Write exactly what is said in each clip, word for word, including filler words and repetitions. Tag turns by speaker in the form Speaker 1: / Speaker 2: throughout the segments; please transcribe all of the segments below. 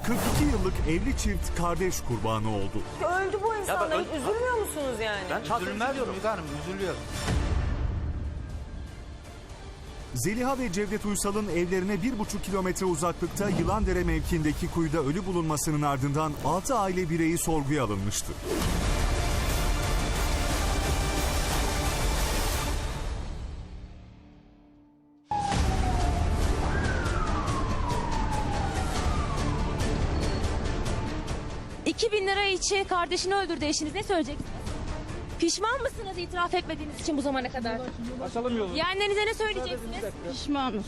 Speaker 1: kırk iki yıllık evli çift kardeş kurbanı oldu.
Speaker 2: Öldü bu insanlar.
Speaker 3: ben-
Speaker 2: Üzülmüyor musunuz yani?
Speaker 3: Ben üzülmüyorum Müge Hanım, üzülüyorum.
Speaker 1: Zeliha ve Cevdet Uysal'ın evlerine bir buçuk kilometre uzaklıkta Yılandere mevkiindeki kuyuda ölü bulunmasının ardından altı aile bireyi sorguya alınmıştı.
Speaker 4: iki bin lira için kardeşini öldürdü eşiniz. Ne söyleyeceksiniz? Pişman mısınız itiraf etmediğiniz için bu zamana kadar? Yeğenlerinize ne söyleyeceksiniz?
Speaker 5: Pişmanız.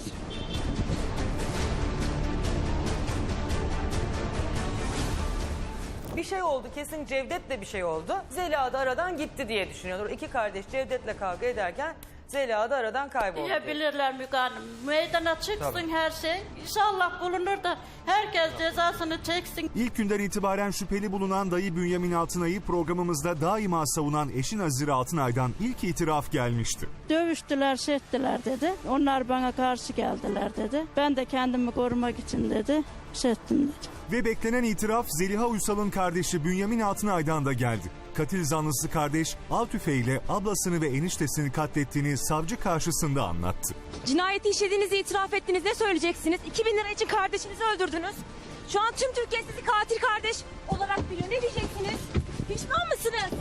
Speaker 2: Bir şey oldu, kesin Cevdet'le bir şey oldu. Zeliha da aradan gitti diye düşünüyorlar. İki kardeş Cevdet'le kavga ederken Zeliha da aradan kayboldu.
Speaker 5: Diyebilirler Müge Hanım. Meydana çıksın her şey. İnşallah bulunur da herkes cezasını çeksin.
Speaker 1: İlk günden itibaren şüpheli bulunan dayı Bünyamin Altınay'ı programımızda daima savunan eşi Nazire Altınay'dan ilk itiraf gelmişti.
Speaker 5: Dövüştüler, şey ettiler dedi. Onlar bana karşı geldiler dedi. Ben de kendimi korumak için dedi. Şey ettim dedi.
Speaker 1: Ve beklenen itiraf Zeliha Uysal'ın kardeşi Bünyamin Altınay'dan da geldi. Katil zanlısı kardeş av tüfeğiyle ablasını ve eniştesini katlettiğini savcı karşısında anlattı.
Speaker 4: Cinayeti işlediğinizi itiraf ettiniz. Ne söyleyeceksiniz? iki bin lira için kardeşinizi öldürdünüz. Şu an tüm Türkiye sizi katil kardeş olarak biliyor. Ne diyeceksiniz? Pişman mısınız?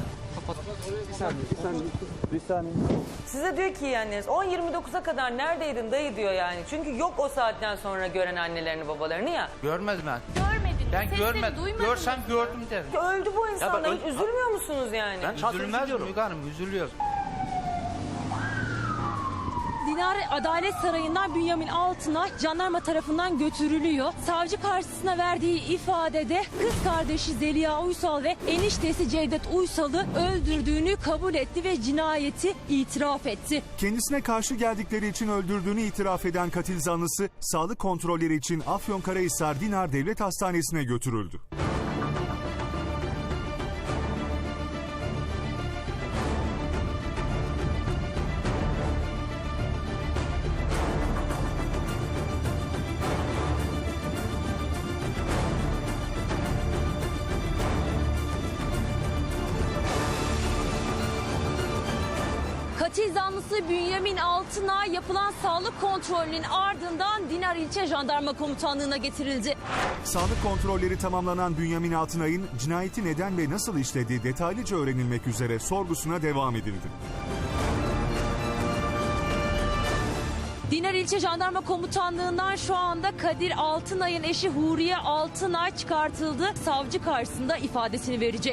Speaker 2: Size diyor ki yani on yirmi dokuza kadar neredeydin dayı diyor yani. Çünkü yok o saatten sonra gören annelerini babalarını ya.
Speaker 3: Görmedim ben.
Speaker 4: Görmediniz.
Speaker 3: Ben
Speaker 4: sesini
Speaker 3: görmedim.
Speaker 4: duymadınız.
Speaker 3: Görsem gördüm derim.
Speaker 2: Öldü bu insanlar.
Speaker 3: ben-
Speaker 2: Üzülmüyor musunuz yani?
Speaker 3: Ben üzülmez Müge Hanım, üzülüyorum.
Speaker 4: Dinar Adalet Sarayı'ndan Bünyamin Altınay jandarma tarafından götürülüyor. Savcı karşısına verdiği ifadede kız kardeşi Zeliha Uysal ve eniştesi Cevdet Uysal'ı öldürdüğünü kabul etti ve cinayeti itiraf etti.
Speaker 1: Kendisine karşı geldikleri için öldürdüğünü itiraf eden katil zanlısı sağlık kontrolleri için Afyonkarahisar Dinar Devlet Hastanesi'ne götürüldü.
Speaker 4: Katil zanlısı Bünyamin Altınay yapılan sağlık kontrolünün ardından Dinar İlçe Jandarma Komutanlığı'na getirildi.
Speaker 1: Sağlık kontrolleri tamamlanan Bünyamin Altınay'ın cinayeti neden ve nasıl işlediği detaylıca öğrenilmek üzere sorgusuna devam edildi.
Speaker 4: Dinar İlçe Jandarma Komutanlığı'ndan şu anda Kadir Altınay'ın eşi Huriye Altınay çıkartıldı. Savcı karşısında ifadesini verecek.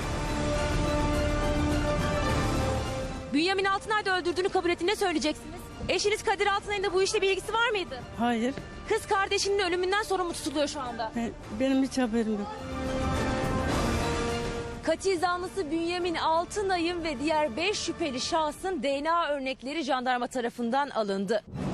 Speaker 4: Bünyamin Altınay da öldürdüğünü kabul etti. Ne söyleyeceksiniz? Eşiniz Kadir Altınay'ın da bu işle bir ilgisi var mıydı?
Speaker 5: Hayır.
Speaker 4: Kız kardeşinin ölümünden sorumlu tutuluyor şu anda.
Speaker 5: Benim hiç haberim yok.
Speaker 4: Katil zanlısı Bünyamin Altınay'ın ve diğer beş şüpheli şahsın D N A örnekleri jandarma tarafından alındı.